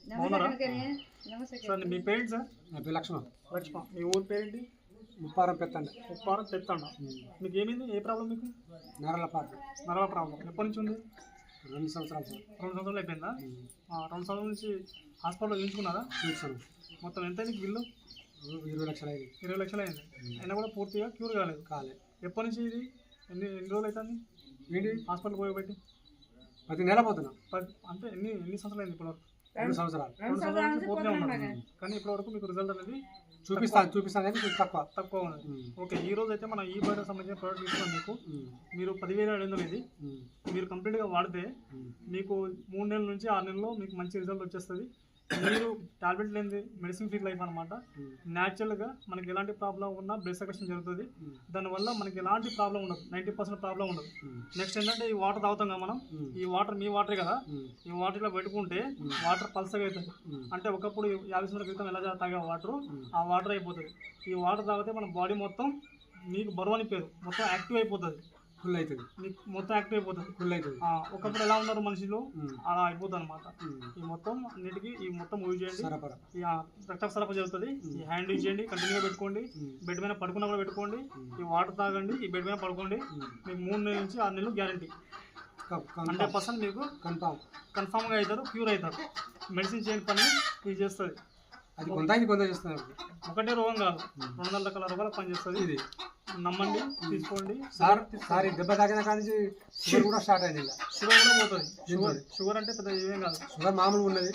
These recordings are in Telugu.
బాగున్నారా సార్? మీ పేరెంట్ సార్? నా పేరు లక్ష్మణ్. లక్ష్మణ. మీ ఊరు పేరేంటి? ముప్పారం పెత్తండి. ఉప్పారం తెత్తండ. మీకు ఏమైంది? ఏ ప్రాబ్లం మీకు? నరల పార్టీ. నరల ప్రాబ్లం ఎప్పటి నుంచి ఉంది? 2 సంవత్సరాలు సార్. 2 సంవత్సరాలు అయిపోయిందా? 2 సంవత్సరాల నుంచి హాస్పిటల్లో చూపించుకున్నారా? చూసాను. మొత్తం ఎంత అయింది బిల్లు? 20 లక్షలు అయింది. 20 లక్షలు అయింది. అయినా కూడా పూర్తిగా క్యూర్ కాలేదు. ఎప్పటి నుంచి ఇది? ఎన్ని రోజులు అవుతుంది ఏంటి హాస్పిటల్ పోయబెట్టి? ప్రతి నెల పోతున్నా. అంటే ఎన్ని సంవత్సరాలు అయింది ఇప్పటివరకు? 2 సంవత్సరాలు. 2 సంవత్సరాల నుంచి పూర్తిగా ఉన్నారు. కానీ ఇప్పటివరకు మీకు రిజల్ట్ అనేది చూపిస్తాను కానీ తక్కువ ఉన్నది. ఓకే, ఈ రోజు అయితే మనం ఈ బయటకు సంబంధించిన ప్రోడక్ట్ ఇస్తున్నాం మీకు. మీరు 10,700 ఇది మీరు కంప్లీట్గా వాడితే మీకు 3 నెలల నుంచి 6 నెలల్లో మీకు మంచి రిజల్ట్ వచ్చేస్తుంది. మీరు టాబ్లెట్ లేనిది మెడిసిన్ ఫ్రీ లైఫ్ అనమాట. న్యాచురల్గా మనకి ఎలాంటి ప్రాబ్లం ఉన్నా బ్లడ్ సర్క్యులేషన్ జరుగుతుంది. దానివల్ల మనకి ఎలాంటి ప్రాబ్లం ఉండదు, 90% ప్రాబ్లం ఉండదు. నెక్స్ట్ ఏంటంటే ఈ వాటర్ తాగుతాం కదా మనం, ఈ వాటర్ మీ వాటరే కదా, ఈ వాటర్ ఇలా పెట్టుకుంటే వాటర్ పల్సగా అవుతుంది. అంటే ఒకప్పుడు 50 సంవత్సరాల క్రితం ఎలా తాగే వాటర్ ఆ వాటర్ అయిపోతుంది. ఈ వాటర్ తాగితే మన బాడీ మొత్తం మీకు బరువు అని పేరు మొత్తం యాక్టివ్ అయిపోతుంది. ఫుల్ అవుతుంది. మీకు మొత్తం యాక్టివ్ అయిపోతుంది. ఫుల్ అవుతుంది. ఒకప్పుడు ఎలా ఉన్నారు మనుషులు అలా అయిపోతుంది అనమాట. ఈ మొత్తం అన్నిటికీ ఈ మొత్తం యూజ్ చేయండి. రక్త సరఫరా జరుగుతుంది. ఈ హ్యాండ్ యూజ్ చేయండి, కంటిన్యూగా పెట్టుకోండి. బెడ్ మీద పడుకున్నప్పుడు పెట్టుకోండి. ఈ వాటర్ తాగండి, ఈ బెడ్ మీద పడుకోండి. మీకు 3 నెలల నుంచి 6 నెలలు గ్యారంటీ. 100% మీకు కన్ఫామ్గా అవుతారు, క్యూర్ అవుతారు. మెడిసిన్ చేయని పని ఇది చేస్తుంది. అది కొంత చేస్తున్నారు. ఒకటే రోగం కాదు, 200 రకాల రోగాలు పనిచేస్తుంది. ఇది నమ్మండి, తీసుకోండి. సార్ దెబ్బ తాగిన కానీ షుగర్ కూడా స్టార్ట్ అయింది. షుగర్ కూడా పోతుంది. షుగర్ అంటే పెద్ద ఏమేం కాదు. షుగర్ మామూలు ఉన్నది.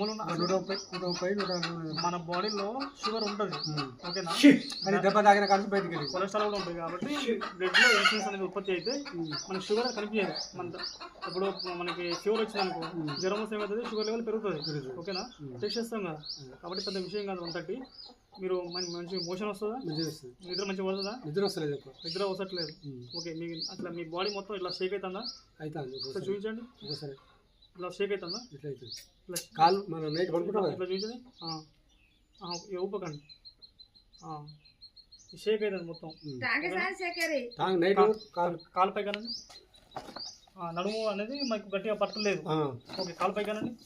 130 మన బాడీలో షుగర్ ఉంటుంది. ఓకేనా? కానీ దెబ్బ తాగిన కానీ బయటకు వెళ్ళి కొలెస్ట్రాల్ కూడా ఉంటుంది. కాబట్టి బ్లడ్ లో ఇన్సులిన్ అనేది ఉత్పత్తి అయితే మనకి షుగర్ కనిపించదు. మన ఇప్పుడు మనకి ఫీవర్ వచ్చిందనుకో, జ్వరం వస్తే ఏమవుతుంది, షుగర్ లెవెల్ పెరుగుతుంది. ఓకేనా? టెస్ట్ చేస్తాం కదా. కాబట్టి పెద్ద విషయం కాదు. 130 మీరు మంచి మోషన్ వస్తుందా? నిద్ర మంచిగా పడుతుందా? నిద్ర వస్తలేదు. ఓకే, మీకు అట్లా మీ బాడీ మొత్తం ఇట్లా షేక్ అవుతుందా? అవుతుంది. చూపించండి ఒకసారి. ఇట్లా షేక్ అవుతుందా? ఇట్లా చూపించండి. ఊపకండి. షేక్ అవుతుంది మొత్తం. కాలు పై కానండి. నడుము అనేది మనకు గట్టిగా పట్టలేదు. ఓకే, కాలు పై కానండి.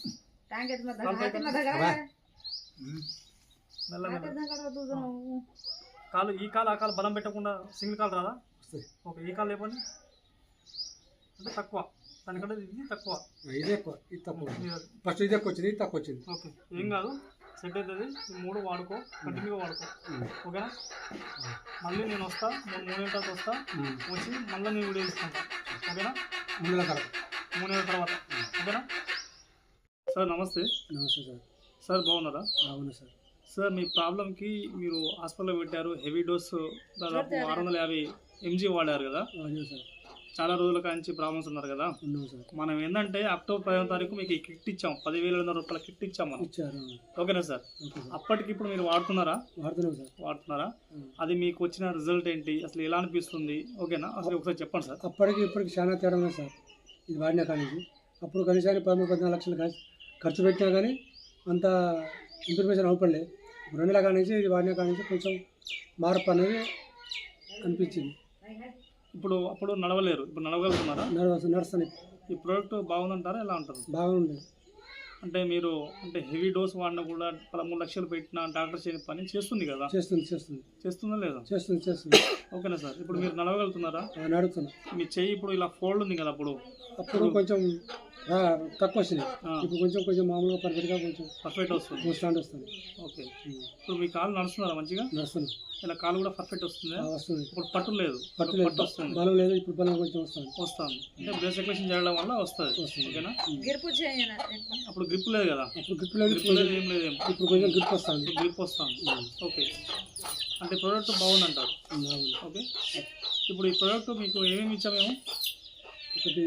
కాలు ఈ కాలు ఆ కాలు బలం పెట్టకుండా సింగిల్ కాలు రాదా? ఓకే, ఈ కాలు లేపండి. అంటే తక్కువ, దానికంటే ఇది తక్కువ. ఇది ఎక్కువ, ఇది తక్కువ. ఫస్ట్ ఇది ఎక్కువ వచ్చింది, ఇది తక్కువ వచ్చింది. ఓకే, ఏం కాదు, సెట్ అవుతుంది. ఈ 3 వాడుకో, కంటిన్యూగా వాడుకో. ఓకేనా? మళ్ళీ నేను వస్తా, 3 నెలల తర్వాత వస్తా, వచ్చి మళ్ళీ నేను వీడియో తీసుకుంటా. ఓకేనా? 3 నెలల తర్వాత. ఓకేనా సార్? నమస్తే. నమస్తే సార్. సార్ బాగున్నారా? అవును సార్. సార్, మీ ప్రాబ్లంకి మీరు హాస్పిటల్లో పెట్టారు. హెవీ డోస్ దాదాపు 650 mg వాడారు కదా. చాలా రోజుల కాంచి ప్రాబ్లమ్స్ ఉన్నారు కదా. మనం ఏంటంటే అక్టోబర్ 15వ తారీఖు మీకు ఈ కిట్ ఇచ్చాం, 10,700 రూపాయల కిట్ ఇచ్చాం మనం. ఓకేనా సార్? అప్పటికి ఇప్పుడు మీరు వాడుతున్నారా? అది మీకు వచ్చిన రిజల్ట్ ఏంటి, అసలు ఎలా అనిపిస్తుంది? ఓకేనా? అసలు ఒకసారి చెప్పండి సార్. అప్పటికి ఇప్పటికి చాలా తేడా ఉంది సార్. ఇది వాడినా కానీ అప్పుడు కనీసానికి 13-14 లక్షలు ఖర్చు పెట్టినా కానీ అంత ఇన్ఫర్మేషన్ అవపడలే. 2 నెలల కానీ ఇది వాడినా కానీ కొంచెం మార్పు అనేది అనిపించింది. అప్పుడు నడవలేరు, ఇప్పుడు నడవగలుగుతున్నారా? నడుస్తాను. ఈ ప్రోడక్ట్ బాగుందంటారా? ఎలా ఉంటారు? బాగుంది. అంటే మీరు హెవీ డోస్ వాడినా కూడా 13 లక్షలు పెట్టినా డాక్టర్ చేయని పని చేస్తుంది కదా. చేస్తుందా లేదా? చేస్తుంది. ఓకేనా సార్? ఇప్పుడు మీరు నడవగలుగుతున్నారా? నడుస్తున్నా. మీ చెయ్యి ఇప్పుడు ఇలా ఫోల్డ్ ఉంది కదా, అప్పుడు కొంచెం తక్కువ వచ్చింది. ఇప్పుడు కొంచెం మామూలుగా పర్ఫెక్ట్గా కొంచెం పర్ఫెక్ట్ వస్తుంది. స్టాండ్ వస్తుంది. ఓకే, ఇప్పుడు మీ కాలు నడుస్తున్నారా మంచిగా? నడుస్తున్నా. ఇలా కాలు కూడా పర్ఫెక్ట్ వస్తుంది. ఇప్పుడు పట్టు లేదు, వస్తుంది. బలం లేదు, ఇప్పుడు బలం కొంచెం వస్తుంది. అంటే బ్లడ్ సర్క్యులేషన్ చేయడం వల్ల వస్తుంది. ఓకేనా? అప్పుడు గ్రిప్ లేదు కదా. ఏం లేదు. ఇప్పుడు కొంచెం గ్రిప్ వస్తుంది. ఓకే, అంటే ప్రోడక్ట్ బాగుందంటారు. ఓకే, ఇప్పుడు ఈ ప్రోడక్ట్ మీకు ఏమేమి ఇచ్చాము మేము? ఒకటి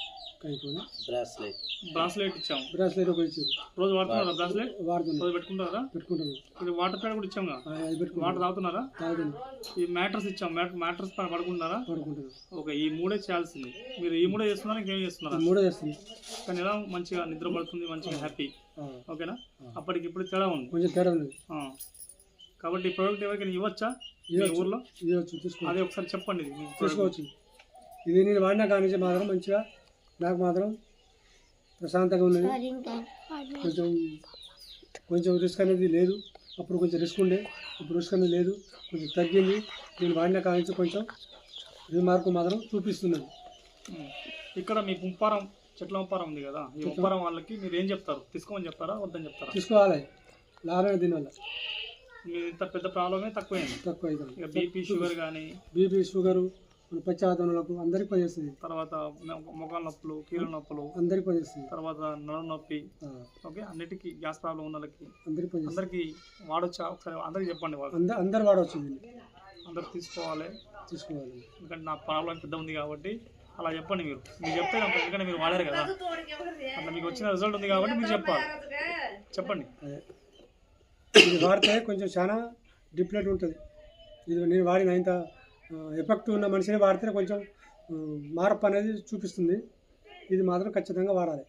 బ్రాస్లెట్ ఇచ్చాము. ఒకటి ఇచ్చారు. రోజు వాడుతున్నారా బ్రాస్లెట్? రోజు పెట్టుకుంటారా? ఇది వాటర్ ప్యాడ్ కూడా ఇచ్చాము. వాటర్ తాగుతున్నారా? ఈ మ్యాట్రస్ ఇచ్చాము. మ్యాట్రస్ పడుకుంటున్నారా? ఓకే, ఈ 3 చేయాల్సింది. మీరు ఈ 3 చేస్తున్నారా, ఇంకేం చేస్తున్నారా? 3 చేస్తుంది. కానీ ఎలా మంచిగా నిద్ర పడుతుంది, మంచిగా హ్యాపీ. ఓకేనా? అప్పటికి ఇప్పుడు తేడా ఉంది, కొంచెం తేడా ఉంది. కాబట్టి ఈ ప్రోడక్ట్ ఎవరికైనా ఇవ్వచ్చా మీ ఊర్లో? అదే ఒకసారి చెప్పండి. తీసుకోవచ్చు. ఇది నేను వాడినా కానీ మాత్రం మంచిగా నాకు మాత్రం ప్రశాంతంగా ఉన్నది. కొంచెం కొంచెం రిస్క్ అనేది లేదు. అప్పుడు కొంచెం రిస్క్ ఉండే, ఇప్పుడు రిస్క్ అనేది లేదు, కొంచెం తగ్గింది. నేను వాడిన కానించి కొంచెం రిమార్క్ మాత్రం చూపిస్తున్నది. ఇక్కడ మీ ఉప్పారం చెట్ల ఉప్పారం ఉంది కదా, ఈ ఉప్పారం వాళ్ళకి మీరు ఏం చెప్తారు? తీసుకోమని చెప్తారా, వద్దని చెప్తారా? తీసుకోవాలి, లాభమే దీనివల్ల. మీరు ఇంత పెద్ద ప్రాబ్లమే తక్కువైంది. తక్కువ అవుతుంది. ఇక బీపీ షుగర్ కానీ, బీపీ షుగరు పశ్చాత్తములకు అందరికి పనిచేస్తుంది. తర్వాత మొగాల నొప్పులు, కీళ్ళ నొప్పులు అందరికి పనిచేస్తుంది. తర్వాత నడుము నొప్పి, ఓకే, అన్నిటికీ గ్యాస్ ప్రాబ్లం ఉన్న వాళ్ళకి అందరికి అందరికీ వాడొచ్చా? ఒకసారి అందరికి చెప్పండి. వాళ్ళు అందరు వాడవచ్చు, అందరు తీసుకోవాలి. తీసుకోవాలి. ఎందుకంటే నా ప్రాబ్లం పెద్ద ఉంది కాబట్టి అలా చెప్పండి. మీరు చెప్తే నాకు, ఎందుకంటే మీరు వాడారు కదా, అట్లా మీకు వచ్చిన రిజల్ట్ ఉంది కాబట్టి మీరు చెప్పాలి. చెప్పండి. ఇది వాడితే కొంచెం చాలా డిఫరెంట్ ఉంటుంది. ఇది నేను వాడిన ఇంత ఎఫెక్ట్ ఉన్న మనిషిని వాడితే కొంచెం మార్పు అనేది చూపిస్తుంది. ఇది మాత్రం ఖచ్చితంగా వాడాలి.